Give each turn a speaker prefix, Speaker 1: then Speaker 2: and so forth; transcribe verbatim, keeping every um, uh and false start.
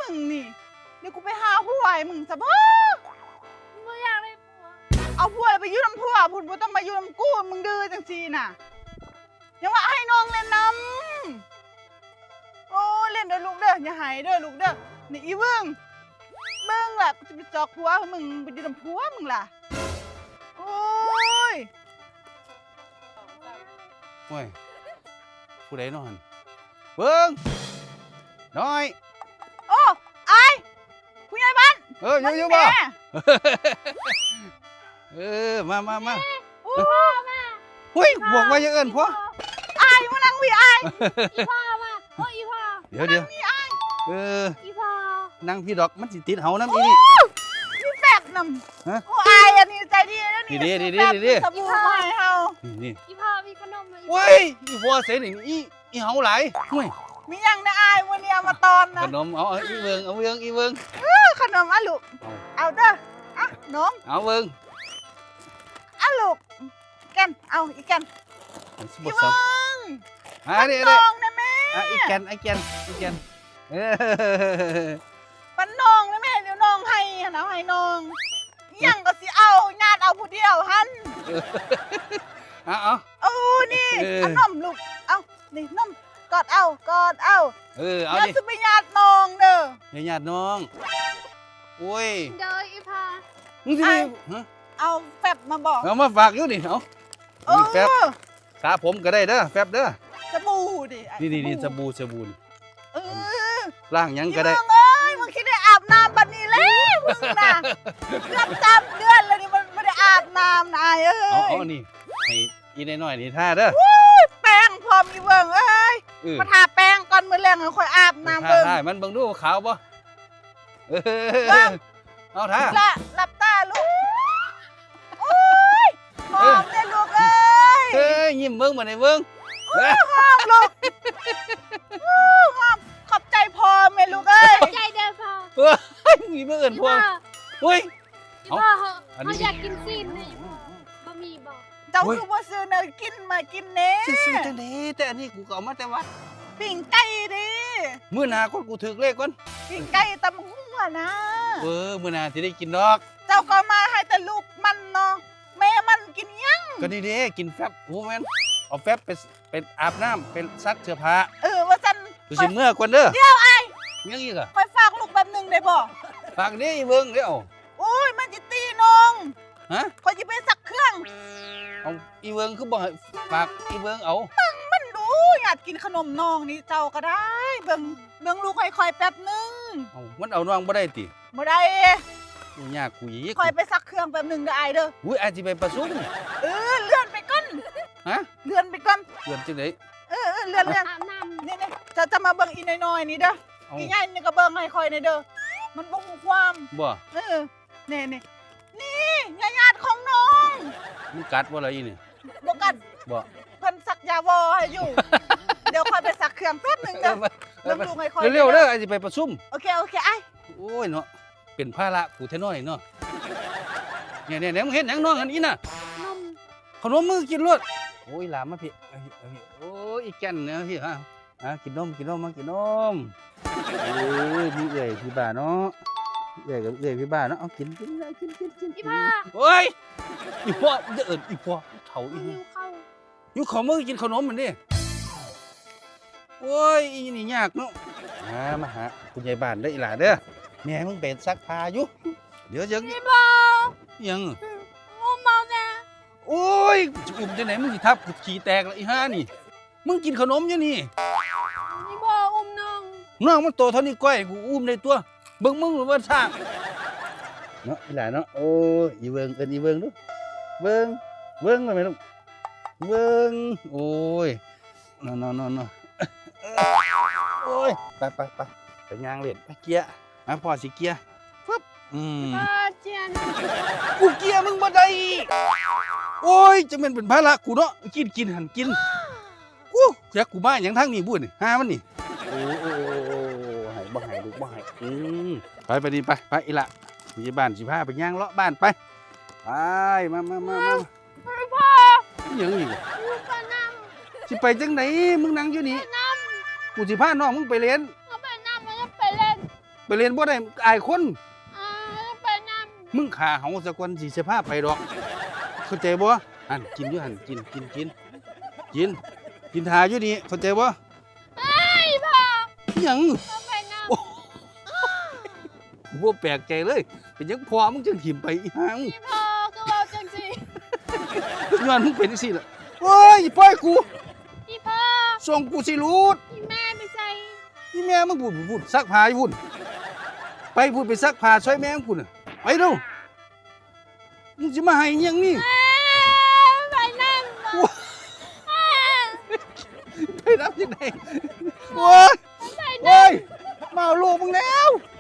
Speaker 1: มึงนี่เดี๋ยวกูไปหาผัวไอ้มึงซะบ่
Speaker 2: ไม่อยากได้ผัว
Speaker 1: เอาผัวไปอยู่น้ำผัวพุ่นบ่ต้องมาอยู่น้ำกูมึงดื้อจังซี่น่ะยังว่าให้น้องเล่นน้ำโอ้เล่นเด้อลูกเด้ออย่าหายเด้อลูกเด้อนี่อีเบิ่งเบิ่งล่ะกูจะไปจอกผัวมึงไปอยู่น้ำผัวมึงล่ะโอ้ย
Speaker 3: โอ้ยผู้ใดนอนเบิ่งน้อย
Speaker 1: โอ้ไอ้ผู้ใหญ่บ้าน
Speaker 3: เอออยู่ๆบ่เออมามามา
Speaker 2: โอ้พ่อแม่
Speaker 3: เฮ้ยบอกว่าอย่าเอิ้นพ่อ
Speaker 1: ไอ้มานั่งวิไอ้
Speaker 2: อีพ่อมาโอ้อีพ่อ
Speaker 3: เดี๋ยวเดี๋ยวเออ
Speaker 2: อีพ่อ
Speaker 3: นั่งพี่ดอกมันสิติดเฮาน้ำอีนี่
Speaker 1: พี่แฟบนำโอ้ไอ้อันนี้ใจดีแล้วนี่
Speaker 3: ดีดีดีดีดี
Speaker 1: สบู่มาให้เฮา
Speaker 3: นี่
Speaker 2: อีพ่อมีขนม
Speaker 3: เว้ยอีพ่อเสนี่อีอีเฮาหลายเว้ย
Speaker 1: มียังนะไอ้วันนี้เอามาตอนนะ
Speaker 3: ขนมเอาอีเบิ่งเอาเบิ่งอีเบิ่ง
Speaker 1: ขนมอ่ะลูกเอาเด้ออ่ะน้อง
Speaker 3: เอาเบิ่ง
Speaker 1: อ่ะลูกแกันเอาอีกแกัน
Speaker 3: อี
Speaker 1: เบิ่ง
Speaker 3: อ่ะนี่
Speaker 1: น้องนะแม่
Speaker 3: อ่ะอีแกนอีแกนอีแกนเออ
Speaker 1: ปันน้องนะแม่เดี๋ยวน้องให้นะให้น้องยังก็สิเอาญาติเอาผู้เดียวหัน
Speaker 3: เอาเอา
Speaker 1: โอ้นี่เอานมลูกเอานี่นมกอดเอากอดเอา
Speaker 3: เออเอาดิ
Speaker 1: อย่าสิไปญาติน้องเด้อ
Speaker 3: อย่าญาติน้องโอ้ย
Speaker 2: เดี๋ยวอีพ่อ
Speaker 3: มึงสิฮะ
Speaker 1: เอาแฟบมาบอก
Speaker 3: เอามาฝากอยู่นี่เอานี่แฟบสาผมก็ได้เด้อแฟบเด้อ
Speaker 1: สบู่ดิ
Speaker 3: นี่นี่นี่สบู่สบู่
Speaker 1: เออ
Speaker 3: ล้างยังก็ได้
Speaker 1: มึงเอ้ยมึงคิดได้อาบน้ำบัดนี้แล้วมึงน่ะเกือบสามเดือนแล้วนี่มันไม่ได้อาบน้ำนายเอ้ย
Speaker 3: เอาเอานี่ให้อีน้อยๆนี่ท่าเด้อ
Speaker 1: แป้งพร้อมอีเบิ่งเอ้ยมาทาแป้งก่อนมื้อแลงค่อยอาบน้ำเบิ่ง
Speaker 3: ใช่มันเบิ่งดูขาวบ่เออเอาท่า
Speaker 1: ละหลับตาลูกโอ้ยหอมเลยลูกเอ้ย
Speaker 3: เอ้ยยิ้มเบิ่งบ่ได้เบิ่ง
Speaker 1: หอมลูกหอมขอบใจพ่อแม่ลูกเอ้ย
Speaker 2: ใจเด้อพ่อ
Speaker 3: เฮ้ยมีบ่เอิ้นพ่อเฮ้ย
Speaker 2: อีพ่อเขาอยากกินซีนนี่บะหมี่บ่
Speaker 1: เจ้าคือบ่ซื้อเนยกินมากินเน่
Speaker 3: ซื้อจังได๋แต่อันนี้กูก็เอามาแต่วัด
Speaker 1: ปิ้งไก่ดิ
Speaker 3: มื้อหน้าก่อนกูถึกเลขก่อน
Speaker 1: ปิ้งไก่ตำหัวนะ
Speaker 3: เออมื้อหน้าสิได้กินดอก
Speaker 1: เจ้าก็มาให้แต่ลูกมันเนาะแม่มันกินยัง
Speaker 3: ก็นี่เด้กินแฟบโอ้แม่นเอาแฟบไปเป็นอาบน้ำเป็นซักเสื้อผ้า
Speaker 1: เออว่าซั่น
Speaker 3: กูสิเมื่อก่อนเด้อ
Speaker 1: เดี๋ยวไอ้
Speaker 3: ยังอีกอ่ะ
Speaker 1: ค่อยฝากลูกแป๊บนึงได้บ่
Speaker 3: ฝากนี่เบิ่งเด้อ
Speaker 1: โอ้ยมันสิตีน้อง
Speaker 3: ฮะ
Speaker 1: ค่อยสิไปซักเครื่อง
Speaker 3: เอาอีเบิ่งคือบ่ให้ฝากอีเบิ่งเอา
Speaker 1: มึงมันดูอยากกินขนมน้องนี่เจ้าก็ได้เบิ่งเบิ่งลูกค่อยๆแป๊บนึง
Speaker 3: เอ้ามันเอาน้องบ่ได้ติ
Speaker 1: บ่ได้
Speaker 3: กูยากกูอีก
Speaker 1: ค่อยไปซักเครื่องแป๊บนึงเด้อไอ้เด้อ
Speaker 3: อุ้ยอาจสิไปประชุม
Speaker 1: เออเลื่อนไปก่อน
Speaker 3: ฮะ
Speaker 1: เลื่อนไปก่อน
Speaker 3: เลื่อนจังได๋
Speaker 1: เออๆเลื่อนๆ
Speaker 2: อาบน้ำ
Speaker 1: นี่ๆจะจะมาเบิ่งอีน้อยๆนี่เด้ออีใหญ่นี่ก็เบิ่งให้ค่อยนี่เด้อมันบ่ฮู้ความ
Speaker 3: บ่
Speaker 1: เออนี่ๆนี่ญาติของน้อง
Speaker 3: มันกัดบ่ล่ะอีนี่
Speaker 1: บ่กัด
Speaker 3: บ่
Speaker 1: เพิ่นซักยาวอให้อยู่เดี๋ยวค่อยไปซักเครื่องแป๊บนึงเด้อเบิ่งลูกให้ค่อย
Speaker 3: เร็วๆเด้ออาจสิไปประชุม
Speaker 1: โอเคโอเคไอ้
Speaker 3: โอ้ยเนาะเป็นภาระกูแท้น้อยเนาะเนี่ยๆๆมึงเฮ็ดหยังน้องอันนี้น่ะ
Speaker 2: นม
Speaker 3: ขนมมือกินรวดโอ้ยหลามมาพี่โอ้ยอีแก่นเนาะพี่ฮะอ่ะกินนมกินนมมากินนมโอ้ยมีเอื่อยพี่บ้าเนาะเอื่อยกับเอื่อยพี่บ้าเนาะเอากินกินกินกินกิน
Speaker 2: อีพ่อ
Speaker 3: โอ้ยอีพ่อจะเอิ้นอีพ่อเฒ่าอีหิ
Speaker 2: วข้าว
Speaker 3: อยู่ขอมือกินขนมมันดิโอ้ยอีนี่ยากเนาะมามาหาคุณยายบ้านเด้ออีหล่าเด้อแม่มึงเป็นซักผ้าอยู่เดี๋ยวยัง
Speaker 2: อีพ่อ
Speaker 3: ยัง
Speaker 2: อุ้มมาแม่
Speaker 3: โอ้ยจะอุ้มจังไหนมึงสิทับกูขี้แตกละอีห่านี่มึงกินขนมอยู่นี่
Speaker 2: อีพ่ออุ้มน้อง
Speaker 3: น้องมันโตเท่านี้ก้อยกูอุ้มได้ตัวเบิ่งมึงหรือว่าช่างเนาะอีหล่าเนาะโอ้ยอีเบิ่งเอิ้นอีเบิ่งดูเบิ่งเบิ่งว่าแม่ลูกเบิ่งโอ้ยนอนๆๆโอ้ยไปๆๆไปย่างเล่นไปเกียร์มาพ่อสิเกียร์ฟึบอืม
Speaker 2: พ่อเจียน
Speaker 3: กูเกียร์มึงบ่ได้โอ้ยจังแม่นเป็นภาระกูเนาะกินกินหั่นกินกูอยากกูมาหยังทางนี้บุ้นี่หามันนี่โอ้ๆให้บ่ให้ลูกบ่ให้อืมไปไปดิไปไปอีหล่ะอยู่บ้านสิพาไปย่างเลาะบ้านไปไปมามามามา
Speaker 2: พ่อ
Speaker 3: ยังอีกอ่ะสิไปจังไหนมึงนั่งอยู่นี่กูสิพาน้องมึงไปเล่น
Speaker 2: เอาไปน้ำมันจะไปเล่น
Speaker 3: ไปเรียนบ่ได้อายคน
Speaker 2: อ่าไปนำ
Speaker 3: มึงขาเฮาสักวันสิเสพาไปดอกเข้าใจบ่หั่นกินอยู่หั่นกินกินกินกินกินทาอยู่นี่เข้าใจบ่
Speaker 2: ไอ้พ่อ
Speaker 3: อิหยัง
Speaker 2: เอาไปนำ
Speaker 3: โอ้บ่แปลกใจเลยเป็นหยังพ่อมึงจังถิ่มไปอีหาง
Speaker 2: พี่พ่อก็เว้าจังซี่
Speaker 3: ย้อนมึงเป็นจังซี่ล่ะโอ้ยปล่อยกู
Speaker 2: พี่พ่อ
Speaker 3: ส่งกูสิรูด
Speaker 2: พี่แม่ไปใส่
Speaker 3: นี่แม่มึงพูดพูดซักผ้าอยู่พุ่นไปพูดไปซักผ้าช่วยแม่มึงพุ่นน่ะไปเร็วมึงสิมาให้อิหยังนี่
Speaker 2: อ่าไปนำ
Speaker 3: โอ้ย
Speaker 2: อ่า
Speaker 3: ไปรับยังไงโอ้ย
Speaker 2: ไปน
Speaker 3: โอ้ยมาเอาลูกมึงแล้ว
Speaker 2: ำ